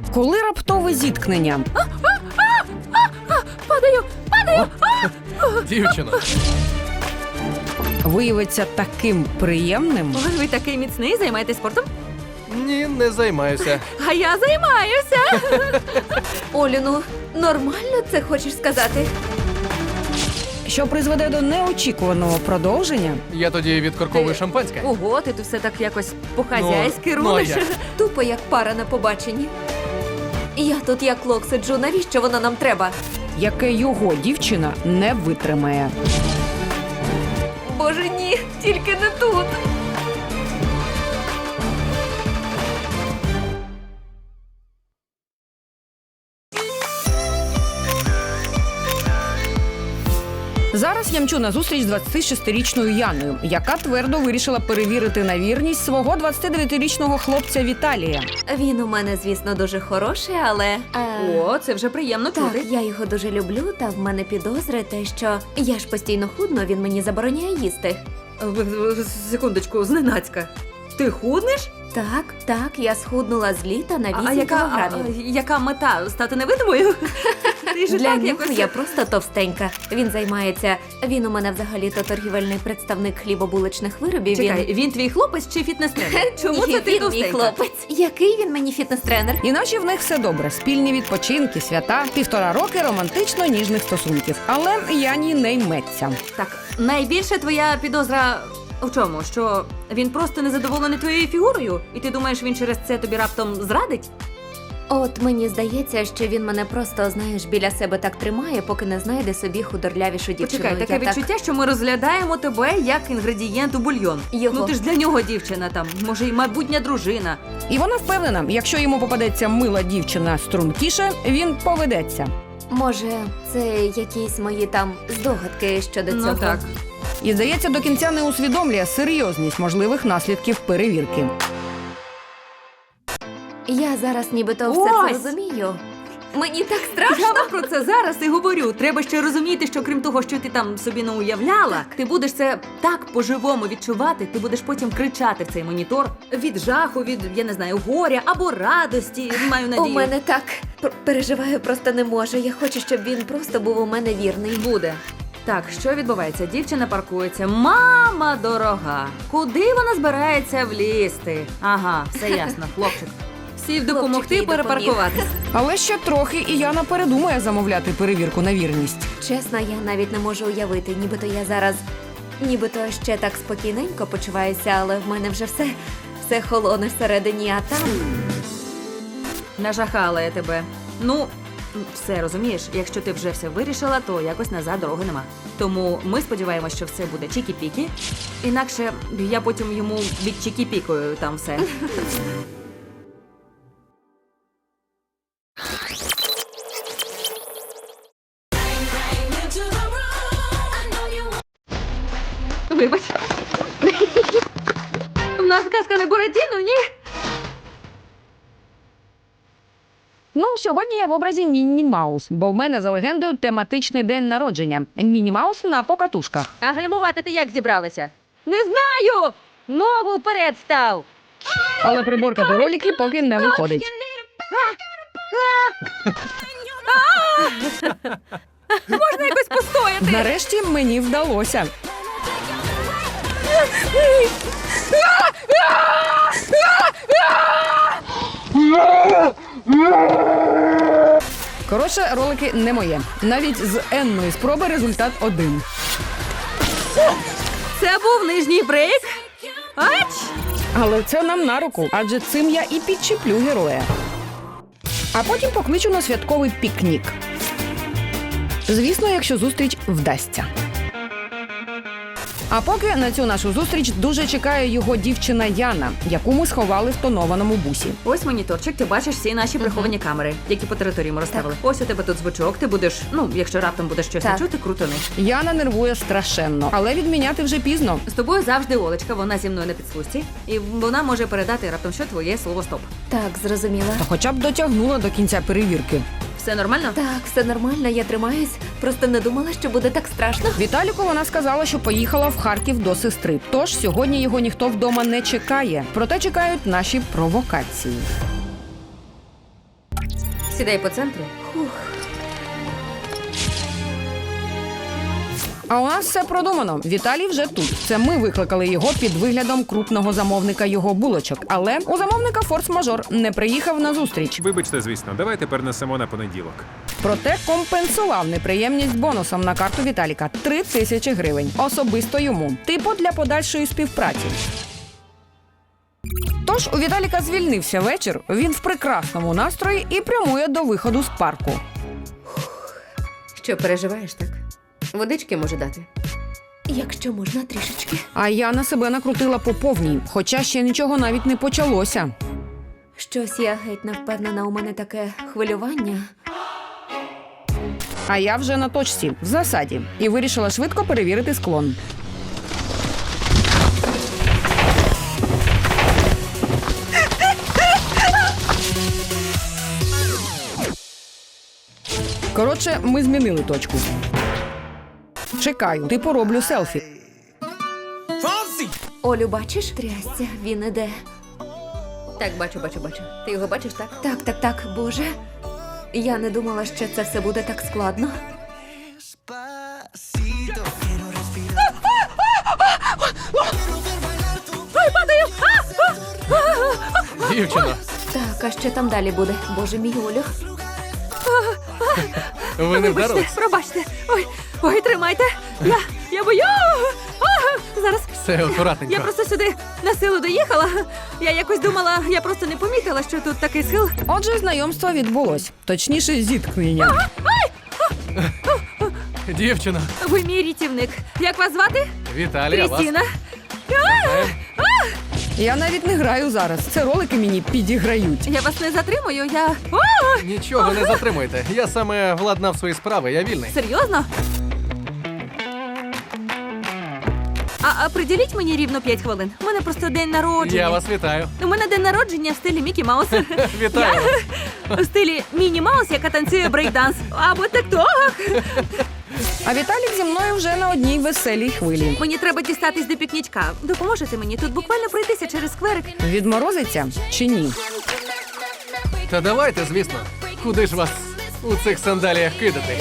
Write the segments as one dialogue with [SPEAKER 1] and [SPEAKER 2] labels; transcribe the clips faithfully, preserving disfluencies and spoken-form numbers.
[SPEAKER 1] Коли раптове зіткнення?
[SPEAKER 2] Падаю! Падаю!
[SPEAKER 3] Дівчино,
[SPEAKER 1] Виявиться таким приємним.
[SPEAKER 2] Ой, ви такий міцний, займаєтесь спортом?
[SPEAKER 3] ні, не займаюся.
[SPEAKER 2] А я займаюся! Олю, ну, нормально це хочеш сказати?
[SPEAKER 1] Що призведе до неочікуваного продовження.
[SPEAKER 3] Я тоді відкорковую
[SPEAKER 2] Ти-
[SPEAKER 3] шампанське.
[SPEAKER 2] Ого, ти тут все так якось по-хазяйськи
[SPEAKER 3] Ну, ну, а
[SPEAKER 2] рулиш.
[SPEAKER 3] як?
[SPEAKER 2] Тупо як пара на побаченні. Я тут як лок сиджу, навіщо воно нам треба?
[SPEAKER 1] Яке його дівчина не витримає.
[SPEAKER 2] Боже, ні, тільки не тут.
[SPEAKER 1] Зараз я мчу на зустріч з двадцятишестирічною Яною, яка твердо вирішила перевірити на вірність свого двадцятидев'ятирічного хлопця Віталія.
[SPEAKER 2] Він у мене, звісно, дуже хороший, але. Е...
[SPEAKER 4] О, це вже приємно
[SPEAKER 2] Так,
[SPEAKER 4] чути.
[SPEAKER 2] я його дуже люблю, та в мене підозри те, що я ж постійно худно, він мені забороняє їсти.
[SPEAKER 4] В- в- Секундочку, зненацька. Ти худнеш?
[SPEAKER 2] Так, так, я схуднула з літа на
[SPEAKER 4] А,
[SPEAKER 2] вісім
[SPEAKER 4] а яка, а,
[SPEAKER 2] кілограмів.
[SPEAKER 4] яка мета? Стати невидимою? Ти ж і
[SPEAKER 2] Для
[SPEAKER 4] так
[SPEAKER 2] нього
[SPEAKER 4] якось...
[SPEAKER 2] я просто товстенька. Він займається. Він у мене взагалі-то торгівельний представник хлібобуличних виробів.
[SPEAKER 4] Чекай,
[SPEAKER 2] він...
[SPEAKER 4] він твій хлопець чи фітнес-тренер? Чому
[SPEAKER 2] Ні,
[SPEAKER 4] це ти
[SPEAKER 2] він мій
[SPEAKER 4] товстенька?
[SPEAKER 2] хлопець? Який він мені фітнес-тренер?
[SPEAKER 1] Іначе в них все добре. Спільні відпочинки, свята, півтора роки романтично-ніжних стосунків. Але Яні не йметься.
[SPEAKER 4] Так, найбільше твоя підозра у чому? Що він просто незадоволений твоєю фігурою? І ти думаєш, він через це тобі раптом зрадить?
[SPEAKER 2] От мені здається, що він мене просто, знаєш, біля себе так тримає, поки не знайде собі худорлявішу дівчину.
[SPEAKER 4] Почекай, таке
[SPEAKER 2] Я
[SPEAKER 4] відчуття, що ми розглядаємо тебе як інгредієнт у бульйон.
[SPEAKER 2] Його.
[SPEAKER 4] Ну ти ж для нього дівчина там, може, й майбутня дружина.
[SPEAKER 1] І вона впевнена, якщо йому попадеться мила дівчина стрункіше, він поведеться.
[SPEAKER 2] Може, це якісь мої там здогадки щодо
[SPEAKER 4] Ну
[SPEAKER 2] цього.
[SPEAKER 4] так.
[SPEAKER 1] І, здається, до кінця не усвідомлює серйозність можливих наслідків перевірки.
[SPEAKER 2] Я зараз нібито все
[SPEAKER 4] Ось!
[SPEAKER 2] це розумію. Мені так страшно.
[SPEAKER 4] Я вам про це зараз і говорю. Треба ще розуміти, що крім того, що ти там собі не уявляла, ти будеш це так по-живому відчувати, ти будеш потім кричати в цей монітор від жаху, від, я не знаю, горя або радості, маю надію.
[SPEAKER 2] У мене так П- переживаю, просто не можу. Я хочу, щоб він просто був у мене вірний.
[SPEAKER 4] Буде. Так, що відбувається? Дівчина паркується. Мама дорога! Куди вона збирається влізти? Ага, все ясно, хлопчик. Сів допомогти
[SPEAKER 2] Хлопчик їй
[SPEAKER 4] перепаркуватись.
[SPEAKER 1] Але ще трохи, і Яна передумає замовляти перевірку на вірність.
[SPEAKER 2] Чесно, я навіть не можу уявити, нібито я зараз, нібито ще так спокійненько почуваюся, але в мене вже все, все холоне всередині, а там.
[SPEAKER 4] Нажахала я тебе. Ну, все розумієш, якщо ти вже все вирішила, то якось назад дороги нема. Тому ми сподіваємося, що все буде чікі-пікі. Інакше я потім йому від чікі-пікою там все. Вибач. У нас казка не Буратіно, ні?
[SPEAKER 1] Ну, сьогодні я в образі Мінні Маус, бо в мене за легендою тематичний день народження. Мінні Маус на покатушках.
[SPEAKER 5] А гримувати ти як зібралися? Не знаю! Ногу вперед став!
[SPEAKER 1] Але приборка до ролики поки не виходить.
[SPEAKER 4] Можна якось постояти.
[SPEAKER 1] Нарешті мені вдалося. Коротше, ролики не моє. Навіть з енної спроби результат один.
[SPEAKER 4] Це був нижній брейк. Ач!
[SPEAKER 1] Але це нам на руку, адже цим я і підчіплю героя. А потім покличу на святковий пікнік. Звісно, якщо зустріч вдасться. А поки на цю нашу зустріч дуже чекає його дівчина Яна, яку ми сховали в тонованому бусі.
[SPEAKER 4] Ось моніторчик, ти бачиш всі наші приховані камери, які по території ми розставили. Ось у тебе тут звучок, ти будеш, ну, якщо раптом будеш щось не
[SPEAKER 2] Так.
[SPEAKER 4] чути, крутони.
[SPEAKER 1] Яна нервує страшенно, але відміняти вже пізно.
[SPEAKER 4] З тобою завжди Олечка, вона зі мною на підслужці, і вона може передати раптом що твоє слово стоп.
[SPEAKER 2] Так, зрозуміла.
[SPEAKER 1] Та хоча б дотягнула до кінця перевірки.
[SPEAKER 4] Все нормально?
[SPEAKER 2] Так, все нормально, я тримаюсь. Просто не думала, що буде так страшно.
[SPEAKER 1] Віталіку вона сказала, що поїхала в Харків до сестри. Тож сьогодні його ніхто вдома не чекає. Проте чекають наші провокації.
[SPEAKER 5] Сідай по центру.
[SPEAKER 1] А у нас все продумано. Віталій вже тут. Це ми викликали його під виглядом крупного замовника його булочок. Але у замовника форс-мажор не приїхав на зустріч.
[SPEAKER 6] Вибачте, звісно, давайте перенесемо на понеділок.
[SPEAKER 1] Проте компенсував неприємність бонусом на карту Віталіка – три тисячі гривень. Особисто йому. Типу для подальшої співпраці. Тож у Віталіка звільнився вечір, він в прекрасному настрої і прямує до виходу з парку.
[SPEAKER 5] Що, переживаєш так? Водички може дати?
[SPEAKER 2] Якщо можна трішечки.
[SPEAKER 1] А я на себе накрутила по повній, хоча ще нічого навіть не почалося.
[SPEAKER 2] Щось я геть не впевнена, у мене таке хвилювання.
[SPEAKER 1] А я вже на точці, в засаді, і вирішила швидко перевірити склон. Коротше, ми змінили точку. Чекаю, типу роблю селфі.
[SPEAKER 2] Олю, бачиш? Трясся, він іде.
[SPEAKER 5] Так, бачу, бачу, бачу. Ти його бачиш, так?
[SPEAKER 2] Так, так, так, Боже. Я не думала, що це все буде так складно.
[SPEAKER 3] Дівчино,
[SPEAKER 2] Так, а що там далі буде? Боже мій, Олю.
[SPEAKER 3] ви не вдарились?
[SPEAKER 4] Вибачте, пробачте. Ой, ой, тримайте. Я, я бою. А, зараз.
[SPEAKER 3] Все акуратненько.
[SPEAKER 4] Я просто сюди на силу доїхала. Я якось думала, я просто не помітила, що тут такий схил.
[SPEAKER 1] Отже, знайомство відбулось. Точніше, зіткнення.
[SPEAKER 3] Дівчино,
[SPEAKER 4] Ви мій рятівник. Як вас звати?
[SPEAKER 3] Віталія, вас.
[SPEAKER 4] Крістіна.
[SPEAKER 3] Вітаємо.
[SPEAKER 1] Я навіть не граю зараз. Це ролики мені підіграють.
[SPEAKER 4] Я вас не затримую, я. О,
[SPEAKER 3] Нічого не затримуйте. Я саме владнав свої справи, я вільний.
[SPEAKER 4] серйозно? А, а приділіть мені рівно п'ять хвилин. У мене просто день народження.
[SPEAKER 3] Я вас вітаю.
[SPEAKER 4] У мене день народження в стилі Мікі Маус.
[SPEAKER 3] Вітаю.
[SPEAKER 4] У стилі Міні Маус, яка танцює брейкданс. Або тик-ток.
[SPEAKER 1] А Віталік зі мною вже на одній веселій хвилі.
[SPEAKER 4] Мені треба дістатись до пікнічка. Допоможете мені? Тут буквально пройтися через скверик.
[SPEAKER 1] Відморозиться чи ні?
[SPEAKER 3] Та давайте, звісно. Куди ж вас у цих сандаліях кидати?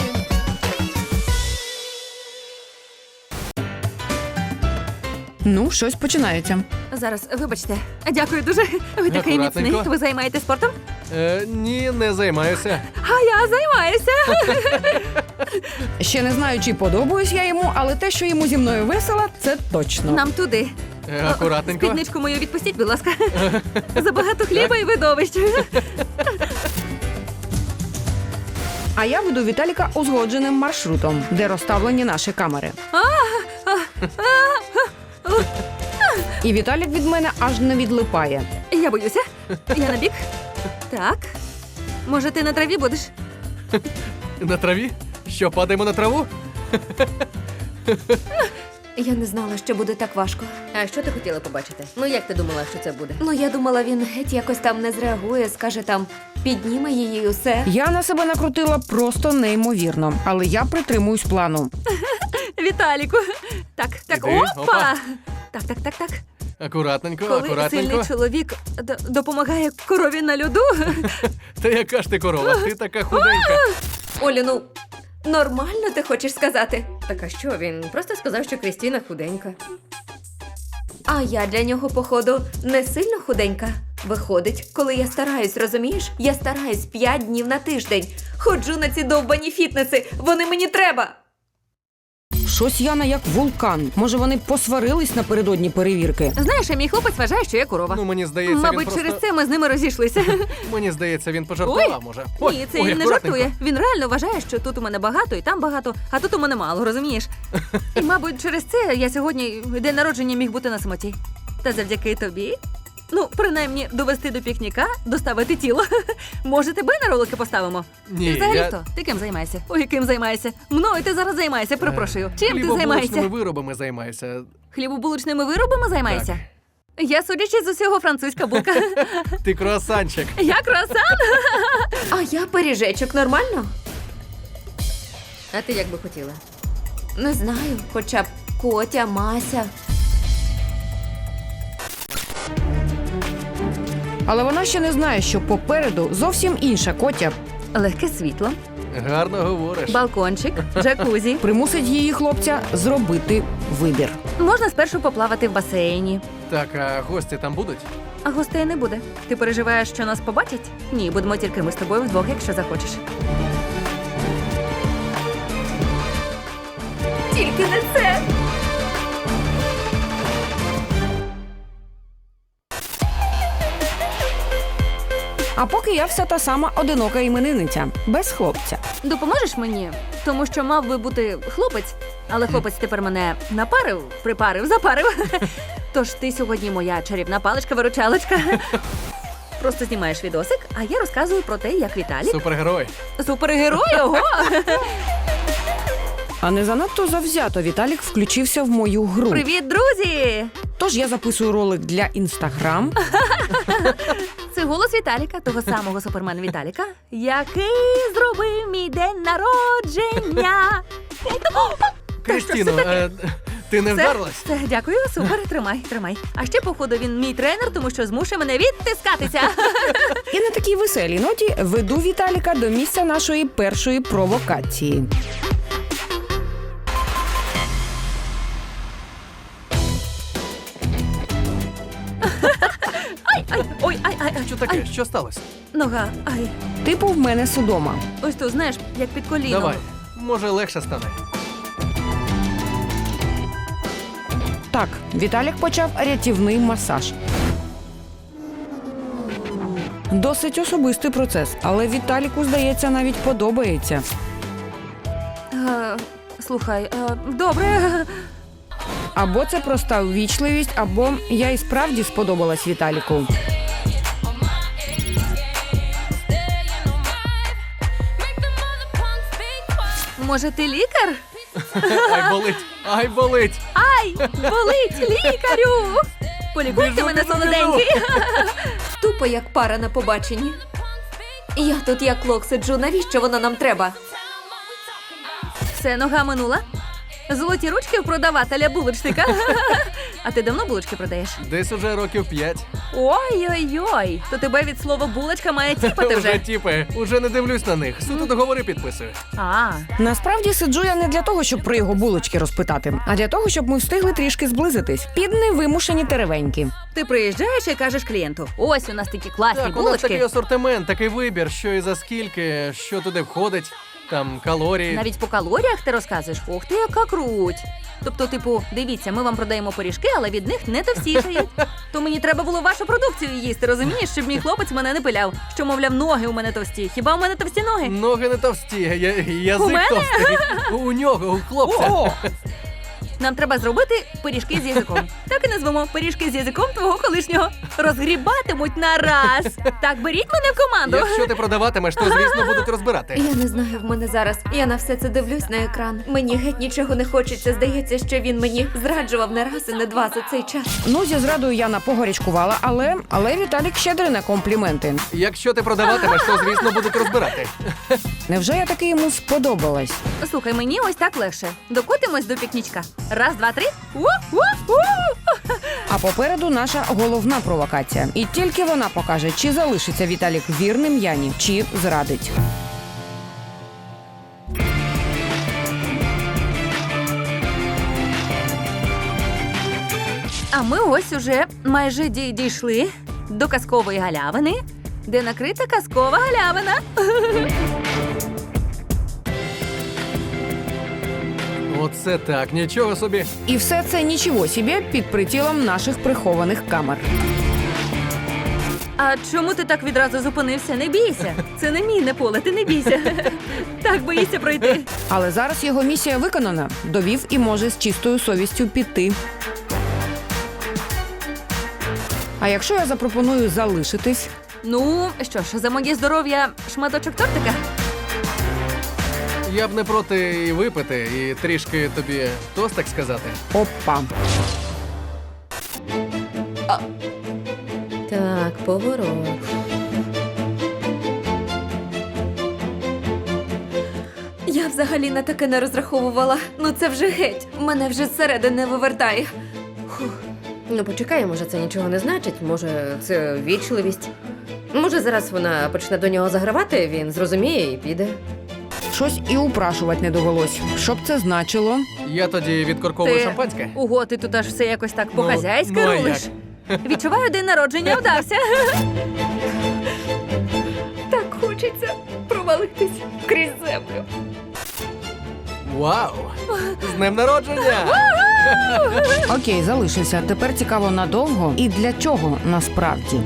[SPEAKER 1] Ну, щось починається.
[SPEAKER 4] Зараз, вибачте. Дякую дуже. Ви такий міцний.
[SPEAKER 3] Акуратненько.
[SPEAKER 4] Ви займаєтесь спортом?
[SPEAKER 3] Е, ні, не займаюся.
[SPEAKER 4] А я займаюся.
[SPEAKER 1] Ще не знаю, чи подобаюсь я йому, але те, що йому зі мною весело, це точно.
[SPEAKER 4] Нам туди.
[SPEAKER 3] Е, акуратненько.
[SPEAKER 4] Спідничку мою відпустіть, будь ласка. Забагато хліба і видовищ.
[SPEAKER 1] А я веду Віталіка узгодженим маршрутом, де розставлені наші камери. І Віталік від мене аж не відлипає.
[SPEAKER 4] Я боюся. Я на бік. Так. Може, ти на траві будеш?
[SPEAKER 3] На траві? Що, падаємо на траву?
[SPEAKER 2] Я не знала, що буде так важко.
[SPEAKER 5] А що ти хотіла побачити? Ну як ти думала, що це буде?
[SPEAKER 2] Ну, я думала, він геть якось там не зреагує, скаже там, підніме її і усе.
[SPEAKER 1] Я на себе накрутила просто неймовірно, але я притримуюсь плану.
[SPEAKER 4] Віталіку. Так, так,
[SPEAKER 3] Іди,
[SPEAKER 4] опа!
[SPEAKER 3] опа.
[SPEAKER 4] Так, так, так, так.
[SPEAKER 3] Акуратненько,
[SPEAKER 4] Коли
[SPEAKER 3] акуратненько.
[SPEAKER 4] сильний чоловік д- допомагає корові на льоду.
[SPEAKER 3] Та яка ж ти корова? Ти така худенька.
[SPEAKER 2] Олю, ну, нормально ти хочеш сказати?
[SPEAKER 5] Так а що, він просто сказав, що Крістіна худенька.
[SPEAKER 2] А я для нього, походу, не сильно худенька. Виходить, коли я стараюсь, розумієш? Я стараюсь п'ять днів на тиждень. Ходжу на ці довбані фітнеси, вони мені треба.
[SPEAKER 1] Щось Яна як вулкан. Може, вони посварились напередодні перевірки?
[SPEAKER 4] Знаєш, а мій хлопець вважає, що я корова.
[SPEAKER 3] Ну, мені здається, він
[SPEAKER 4] Мабуть,
[SPEAKER 3] просто...
[SPEAKER 4] через це ми з ними розійшлися.
[SPEAKER 3] Мені здається, він пожартував, може. Ой,
[SPEAKER 4] Ні, це
[SPEAKER 3] ой,
[SPEAKER 4] він не
[SPEAKER 3] акуратненько.
[SPEAKER 4] жартує. Він реально вважає, що тут у мене багато і там багато, а тут у мене мало, розумієш? І, мабуть, через це я сьогодні день народження міг бути на самоті. Та завдяки тобі. Ну, принаймні, довести до пікніка, доставити тіло. Може, тебе на ролики поставимо?
[SPEAKER 3] Ні,
[SPEAKER 4] Ти взагалі
[SPEAKER 3] я...
[SPEAKER 4] хто? Ти ким займаєшся? Ой, ким займаєшся? Мною ти зараз займаєшся, перепрошую. Чим ти
[SPEAKER 3] Хлібобулочними
[SPEAKER 4] займаєшся?
[SPEAKER 3] виробами займаюся.
[SPEAKER 4] Хлібобулочними виробами займаєшся? Я, судячи з усього, французька булка.
[SPEAKER 3] Ти круасанчик.
[SPEAKER 4] Я круасан.
[SPEAKER 2] А я пиріжечок, нормально?
[SPEAKER 5] А ти як би хотіла?
[SPEAKER 2] Не знаю, хоча б Котя, Мася.
[SPEAKER 1] Але вона ще не знає, що попереду зовсім інша Котя
[SPEAKER 4] Легке світло,
[SPEAKER 3] Гарно говориш.
[SPEAKER 4] балкончик, джакузі.
[SPEAKER 1] Примусить її хлопця зробити вибір.
[SPEAKER 4] Можна спершу поплавати в басейні.
[SPEAKER 3] Так, а гості там будуть?
[SPEAKER 4] А гостей не буде. Ти переживаєш, що нас побачать? Ні, будемо тільки ми з тобою вдвох, якщо захочеш.
[SPEAKER 2] Тільки не це.
[SPEAKER 1] А поки я вся та сама одинока іменинниця, без хлопця.
[SPEAKER 4] Допоможеш мені? Тому що мав би бути хлопець, але хлопець тепер мене напарив, припарив, запарив. Тож ти сьогодні моя чарівна паличка-виручалочка. Просто знімаєш відосик, а я розказую про те, як Віталік.
[SPEAKER 3] Супергерой.
[SPEAKER 4] Супергерой, ого!
[SPEAKER 1] А не занадто завзято Віталік включився в мою гру.
[SPEAKER 4] Привіт, друзі!
[SPEAKER 1] Тож я записую ролик для інстаграм.
[SPEAKER 4] Це голос Віталіка, того самого супермена Віталіка, який зробив мій день народження.
[SPEAKER 3] Крістіно, е, ти не
[SPEAKER 4] Все,
[SPEAKER 3] вдарилась?
[SPEAKER 4] все, дякую, супер, тримай, тримай. А ще, походу, він мій тренер, тому що змушує мене відтискатися.
[SPEAKER 1] І на такій веселій ноті веду Віталіка до місця нашої першої провокації.
[SPEAKER 4] Ай, ой, ай, ай, ай.
[SPEAKER 3] Що таке? Що сталося?
[SPEAKER 4] Нога, ай.
[SPEAKER 1] Типу в мене судома.
[SPEAKER 4] Ось тут, знаєш, як під коліном.
[SPEAKER 3] Давай. Може, легше стане.
[SPEAKER 1] Так, Віталік почав рятівний масаж. Досить особистий процес, але Віталіку, здається, навіть подобається.
[SPEAKER 4] Е, слухай, е, добре.
[SPEAKER 1] Або це проста ввічливість, або я і справді сподобалась Віталіку.
[SPEAKER 4] Може, ти лікар?
[SPEAKER 3] Ай, болить! Ай, болить!
[SPEAKER 4] Ай, болить, лікарю! Полікуйте
[SPEAKER 3] Біжу,
[SPEAKER 4] мене,
[SPEAKER 3] біжу,
[SPEAKER 4] солоденький.
[SPEAKER 2] Тупо як пара на побаченні. Я тут як лох сиджу, навіщо воно нам треба?
[SPEAKER 4] Все, нога минула. Золоті ручки в продавателя булочника. А ти давно булочки продаєш?
[SPEAKER 3] Десь уже років п'ять.
[SPEAKER 4] Ой-ой-ой, то тебе від слова булочка має тіпати
[SPEAKER 3] Уже
[SPEAKER 4] вже.
[SPEAKER 3] тіпи. Уже не дивлюсь на них. Суто договори підписую.
[SPEAKER 4] А,
[SPEAKER 1] Насправді сиджу я не для того, щоб про його булочки розпитати, а для того, щоб ми встигли трішки зблизитись. Під невимушені теревеньки.
[SPEAKER 4] ти приїжджаєш і кажеш клієнту: ось у нас такі класні
[SPEAKER 3] Так, у нас такий
[SPEAKER 4] булочки.
[SPEAKER 3] асортимент, такий вибір, що і за скільки, що туди входить, там калорії.
[SPEAKER 4] Навіть по калоріях ти розказуєш, ух ти, яка круть. Тобто, типу, дивіться, ми вам продаємо пиріжки, але від них не товстішають. То мені треба було вашу продукцію їсти, розумієш, щоб мій хлопець мене не пиляв. Що, мовляв, ноги у мене товсті. Хіба у мене товсті ноги?
[SPEAKER 3] Ноги не товсті, я, язик
[SPEAKER 4] У мене?
[SPEAKER 3] товстий. У нього, у хлопця.
[SPEAKER 1] О!
[SPEAKER 4] Нам треба зробити пиріжки з язиком. Так і назвемо пиріжки з язиком твого колишнього. Розгрібатимуть на раз. Так, беріть мене в команду.
[SPEAKER 3] Якщо ти продаватимеш, то, звісно, будуть розбирати.
[SPEAKER 2] Я не знаю в мене зараз. Я на все це дивлюсь на екран. Мені геть нічого не хочеться. Здається, що він мені зраджував не раз і не два за цей час.
[SPEAKER 1] Ну, зі зрадою я напогорячкувала, але, але Віталік щедрий на компліменти.
[SPEAKER 3] Якщо ти продаватимеш, то, звісно, будуть розбирати.
[SPEAKER 1] Невже я таки йому сподобалась?
[SPEAKER 4] Слухай, мені ось так легше. Докотимось до пікнічка. Раз, два, три. У-у-у!
[SPEAKER 1] А попереду наша головна провокація. І тільки вона покаже, чи залишиться Віталік вірним Яні, чи зрадить.
[SPEAKER 4] А ми ось уже майже дій- дійшли до казкової галявини, де накрита казкова галявина.
[SPEAKER 3] Оце так, нічого собі.
[SPEAKER 1] І все це нічого собі під прицілом наших прихованих камер.
[SPEAKER 4] А чому ти так відразу зупинився? Не бійся. Це не мінне поле, ти не бійся. Так боїшся пройти.
[SPEAKER 1] Але зараз його місія виконана. Довів і може з чистою совістю піти. А якщо я запропоную залишитись?
[SPEAKER 4] Ну, що ж, за моє здоров'я шматочок тортика?
[SPEAKER 3] Я б не проти і випити, і трішки тобі тост, так сказати.
[SPEAKER 1] Опа.
[SPEAKER 2] Так, поворот. Я взагалі на таке не розраховувала. Ну це вже геть. Мене вже зсередини вивертає. Фух. Ну, почекай, може, це нічого не значить, може, це вічливість. Може, зараз вона почне до нього загравати, він зрозуміє і піде.
[SPEAKER 1] Щось і упрашувати не довелось. Що б це значило?
[SPEAKER 3] Я тоді відкорковую
[SPEAKER 4] Ти-
[SPEAKER 3] шампанське.
[SPEAKER 4] Ого, ти тут аж все якось так
[SPEAKER 3] Ну,
[SPEAKER 4] по-хазяйськи
[SPEAKER 3] ну, а
[SPEAKER 4] рулиш. Відчуваю, день народження вдався.
[SPEAKER 2] Так хочеться провалитись крізь землю.
[SPEAKER 3] Вау! З днем народження!
[SPEAKER 1] Окей, залишився. Тепер цікаво надовго і для чого насправді.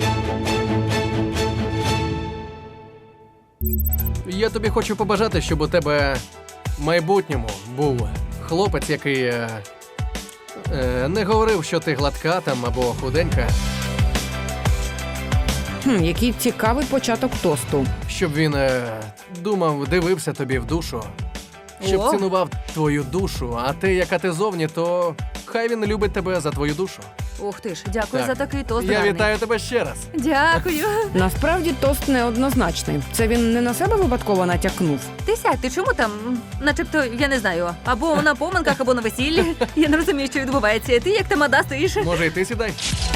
[SPEAKER 3] Я тобі хочу побажати, щоб у тебе в майбутньому був хлопець, який е, е, не говорив, що ти гладка там або худенька,
[SPEAKER 1] Хм, який цікавий початок тосту.
[SPEAKER 3] щоб він е, думав, дивився тобі в душу, щоб
[SPEAKER 4] О.
[SPEAKER 3] цінував твою душу, а ти, яка ти зовні, то хай він любить тебе за твою душу.
[SPEAKER 4] Ух ти ж, дякую
[SPEAKER 3] Так.
[SPEAKER 4] за такий тост.
[SPEAKER 3] Я
[SPEAKER 4] гарний.
[SPEAKER 3] вітаю тебе ще раз.
[SPEAKER 4] Дякую.
[SPEAKER 1] Насправді тост неоднозначний. Це він не на себе випадково натякнув.
[SPEAKER 4] Ти сядь, ти чому там, м, начебто, я не знаю, або на поминках, або на весіллі. Я не розумію, що відбувається. Ти як тамада стоїш.
[SPEAKER 3] Може, і ти сідай?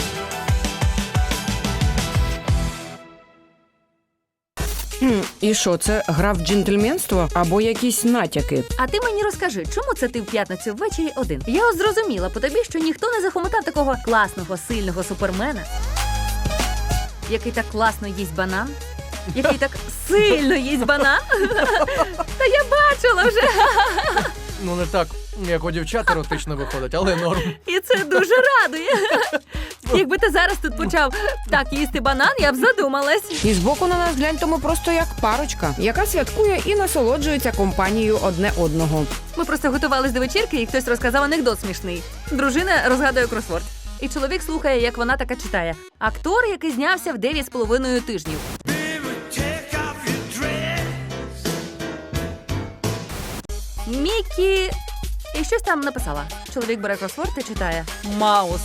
[SPEAKER 1] Хм, і що, це гра в джентльменство або якісь натяки?
[SPEAKER 4] А ти мені розкажи, чому це ти в п'ятницю ввечері один? Я от зрозуміла по тобі, що ніхто не захомотав такого класного, сильного супермена, який так класно їсть банан, який так сильно їсть банан. Та я бачила вже.
[SPEAKER 3] Ну не так, як у дівчат еротично виходить, але норм.
[SPEAKER 4] І це дуже радує. Якби ти зараз тут почав так їсти банан, я б задумалась.
[SPEAKER 1] І збоку на нас глянь, то ми просто як парочка, яка святкує і насолоджується компанією одне одного.
[SPEAKER 4] Ми просто готувались до вечірки, і хтось розказав анекдот смішний. Дружина розгадує кросворд. І чоловік слухає, як вона така читає. Актор, який знявся в дев'ять з половиною тижнів. Мікі... І щось там написала. Чоловік бере кросворд і читає. Маус.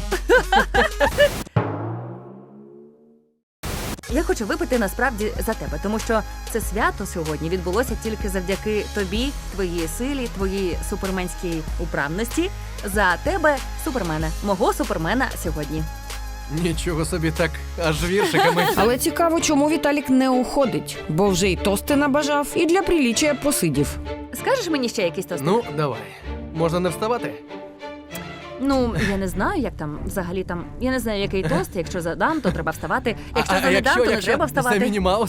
[SPEAKER 4] Я хочу випити насправді за тебе, тому що це свято сьогодні відбулося тільки завдяки тобі, твоїй силі, твоїй суперменській управності. За тебе, супермена, мого супермена сьогодні.
[SPEAKER 3] Нічого собі так, аж віршиками.
[SPEAKER 1] Але цікаво, чому Віталік не уходить, бо вже й тости набажав, і для приліччя посидів.
[SPEAKER 4] Скажеш мені ще якийсь тост?
[SPEAKER 3] Ну, давай. Можна не вставати?
[SPEAKER 4] Ну, я не знаю, як там взагалі там. Я не знаю, який тост. Якщо задам, то треба вставати. Якщо
[SPEAKER 3] а, а
[SPEAKER 4] не дам, то не
[SPEAKER 3] якщо
[SPEAKER 4] треба
[SPEAKER 3] Це
[SPEAKER 4] вставати.
[SPEAKER 3] Міні Маус?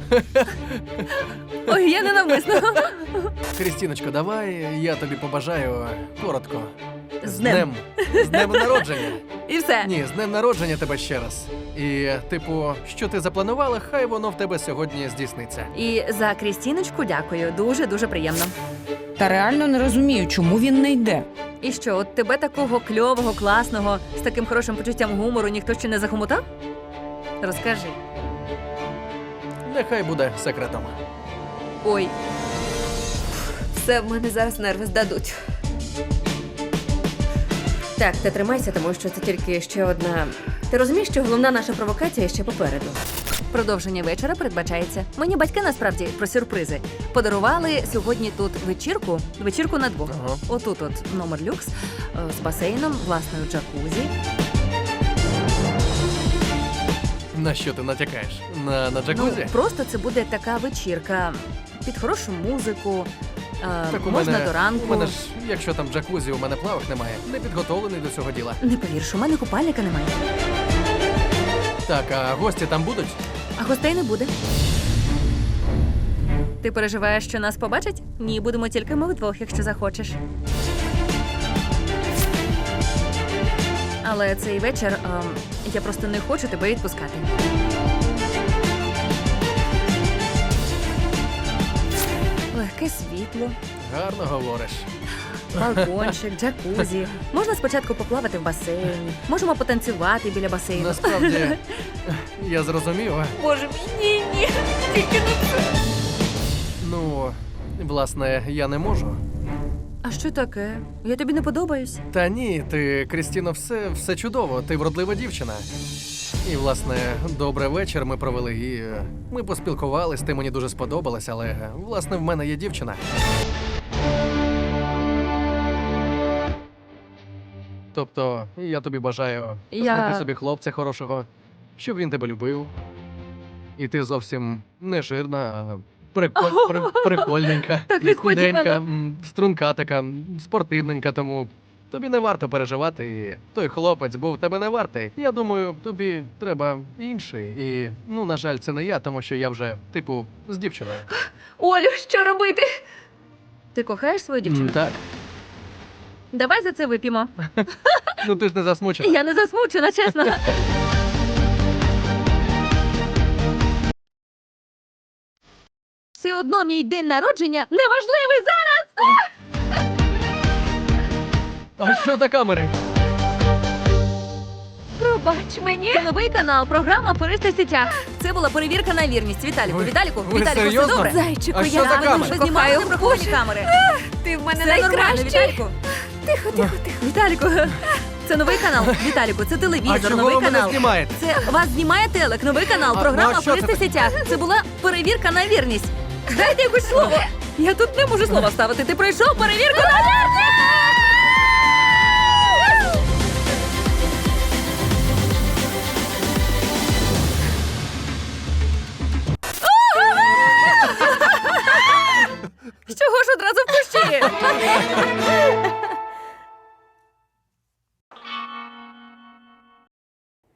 [SPEAKER 4] Ой, я ненавмисно.
[SPEAKER 3] Крістіночко, давай я тобі побажаю коротко.
[SPEAKER 4] З днем.
[SPEAKER 3] З днем народження.
[SPEAKER 4] І все.
[SPEAKER 3] Ні, з днем народження тебе ще раз. І, типу, що ти запланувала, хай воно в тебе сьогодні здійсниться.
[SPEAKER 4] І за Крістіночку дякую. Дуже дуже приємно.
[SPEAKER 1] Та реально не розумію, чому він не йде.
[SPEAKER 4] І що, от тебе такого кльового, класного, з таким хорошим почуттям гумору ніхто ще не захомутав? Розкажи.
[SPEAKER 3] Нехай буде секретом.
[SPEAKER 4] Ой,
[SPEAKER 2] Все, в мене зараз нерви здадуть. Так, ти тримайся, тому що це тільки ще одна. Ти розумієш, що головна наша провокація ще попереду.
[SPEAKER 4] продовження вечора передбачається. Мені батьки насправді про сюрпризи подарували сьогодні тут вечірку, вечірку на двох.
[SPEAKER 3] Ага.
[SPEAKER 4] Отут от номер люкс е, з басейном, власною джакузі.
[SPEAKER 3] На що ти натякаєш? На, на
[SPEAKER 4] Ну,
[SPEAKER 3] джакузі?
[SPEAKER 4] просто це буде така вечірка під хорошу музику. е,
[SPEAKER 3] Так у
[SPEAKER 4] можна
[SPEAKER 3] мене,
[SPEAKER 4] до ранку.
[SPEAKER 3] У мене ж, якщо там джакузі, у мене плавок немає. Не підготовлений до цього діла.
[SPEAKER 4] Не повірш, у мене купальника немає.
[SPEAKER 3] Так, а гості там будуть?
[SPEAKER 4] А гостей не буде. Ти переживаєш, що нас побачать? Ні, будемо тільки ми вдвох, якщо захочеш. Але цей вечір ем, я просто не хочу тебе відпускати. Легке світло,
[SPEAKER 3] Гарно говориш.
[SPEAKER 4] балкончик, джакузі. Можна спочатку поплавати в басейні. Можемо потанцювати біля басейну.
[SPEAKER 3] Насправді, я зрозумів.
[SPEAKER 2] Боже мій, ні, ні. Тільки не це.
[SPEAKER 3] Ну, власне, я не можу.
[SPEAKER 4] А що таке? Я тобі не подобаюсь?
[SPEAKER 3] Та ні, ти, Крістіно, все, все чудово. Ти вродлива дівчина. І, власне, добрий вечір ми провели. І е, ми поспілкувались, ти мені дуже сподобалась, але, е, власне, в мене є дівчина. Тобто, я тобі бажаю
[SPEAKER 5] Я-
[SPEAKER 3] знайти собі хлопця хорошого, щоб він тебе любив. І ти зовсім не жирна, а приколь, при, прикольненька,
[SPEAKER 5] Так
[SPEAKER 3] і
[SPEAKER 5] несподівано.
[SPEAKER 3] худенька, м, струнка така, м, спортивненька, тому тобі не варто переживати. І той хлопець був тебе не вартий. Я думаю, тобі треба інший. І, ну, на жаль, це не я, тому що я вже, типу, з дівчиною.
[SPEAKER 5] Олю, що робити? Ти кохаєш свою
[SPEAKER 3] М,
[SPEAKER 5] дівчину?
[SPEAKER 3] Так.
[SPEAKER 5] Давай за це вип'ємо.
[SPEAKER 3] Ну ти ж не засмучена.
[SPEAKER 5] Я не засмучена, чесно. Все одно мій день народження неважливий зараз.
[SPEAKER 3] А що за камери?
[SPEAKER 5] Пробач мені. Це новий канал, програма «Пористи сітях».
[SPEAKER 4] Це була перевірка на вірність. Віталіку,
[SPEAKER 3] Ви-
[SPEAKER 4] Віталіку,
[SPEAKER 3] ви
[SPEAKER 4] Віталіку, все
[SPEAKER 3] серйозно?
[SPEAKER 4] добре?
[SPEAKER 2] Зайчику,
[SPEAKER 3] А що
[SPEAKER 2] я
[SPEAKER 3] за
[SPEAKER 2] тебе
[SPEAKER 3] камери?
[SPEAKER 2] дуже
[SPEAKER 4] Знімали
[SPEAKER 2] кохаю.
[SPEAKER 4] приховані камери.
[SPEAKER 2] Ти в мене
[SPEAKER 4] Це нормально,
[SPEAKER 2] найкращий.
[SPEAKER 4] Віталіку.
[SPEAKER 2] Тихо, тихо, тихо.
[SPEAKER 4] Віталіку, це новий канал. Віталіку, це
[SPEAKER 3] А
[SPEAKER 4] телевізор,
[SPEAKER 3] чого
[SPEAKER 4] новий
[SPEAKER 3] ви мене
[SPEAKER 4] канал.
[SPEAKER 3] знімаєте?
[SPEAKER 4] Це вас знімає телек, новий канал,
[SPEAKER 3] А,
[SPEAKER 4] програма
[SPEAKER 3] ну, а що це
[SPEAKER 4] «Пористи сітях». Це була перевірка на вірність. Дайте якось слово. Я тут не можу слова ставити. Ти пройшов перевірку на вірність! Чого ж одразу в кущі?